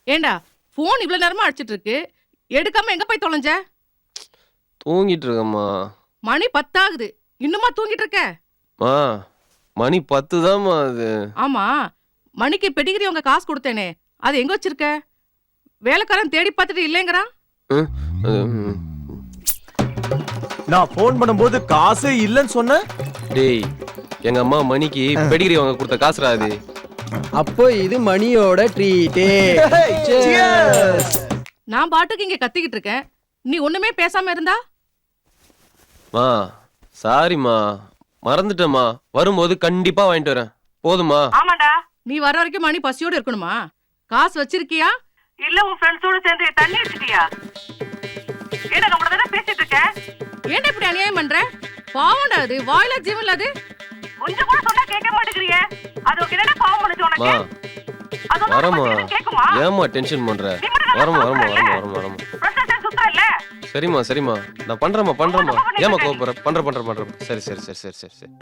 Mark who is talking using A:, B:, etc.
A: ஏண்டா போன் இவ்வளவு நேரமா அடிச்சிட்டு இருக்கு, எடுக்காம எங்க போய் தொலைஞ்ச?
B: தூங்கிட்டு இருக்கேம்மா.
A: மணி 10 ஆகுது, இன்னுமா தூங்கிட்டு இருக்க?
B: மா மணி 10 தான்மா அது.
A: ஆமா, மணிக்கு பெடிகிரி உங்க காசு கொடுத்தேனே, அது எங்க வச்சிருக்க? வேலைக்காரன் தேடி பார்த்துட்டு இல்லைங்கிறான்.
B: ம், ம்.
C: நான் போன் பண்ணும்போது காசு இல்லன்னு சொன்ன.
B: டேய், எங்க அம்மா மணிக்கு பெடிகிரி வாங்க கொடுத்த காசுடா அது.
D: அப்போ இது மணியோட ட்ரீட்டே.
A: நான் பாட்டுக்கு இங்க கத்திக்கிட்டு இருக்கேன், நீ ஒண்ணுமே பேசாம இருந்தா?
B: மா சாரிம்மா, மறந்துட்டேம்மா. வரும்போது கண்டிப்பா வாங்கிட்டு வரேன். போதுமா?
A: ஆமாடா, நீ வர வரைக்கும் மணி பசியோட இருக்கணுமா? காசு வச்சிருக்கியா இல்ல உன் ஃப்ரெண்ட்ஸோட சேர்ந்து தண்ணி அடிச்சிட்டியா? ஏடா நம்மள தான பேசிட்டு இருக்க, ஏன்டா இப்படி அநியாயம் பண்ற? பாவம்டா, அது வாயில ஜீவன்ல, அது கொஞ்சம் கூட சொன்னா கேட்க மாட்டேங்கறியே. அது உனக்கு பாவம் பண்ணுச்சு உனக்கு?
B: வரமா, ஏமா டென்ஷன் பண்ற? வரமா வரமா வரமா வரமா வரமா. சரிம்மா சரிம்மா, நான் பண்றேம்மா. ஏமா கோபப்படுற? பண்றேன். சரி.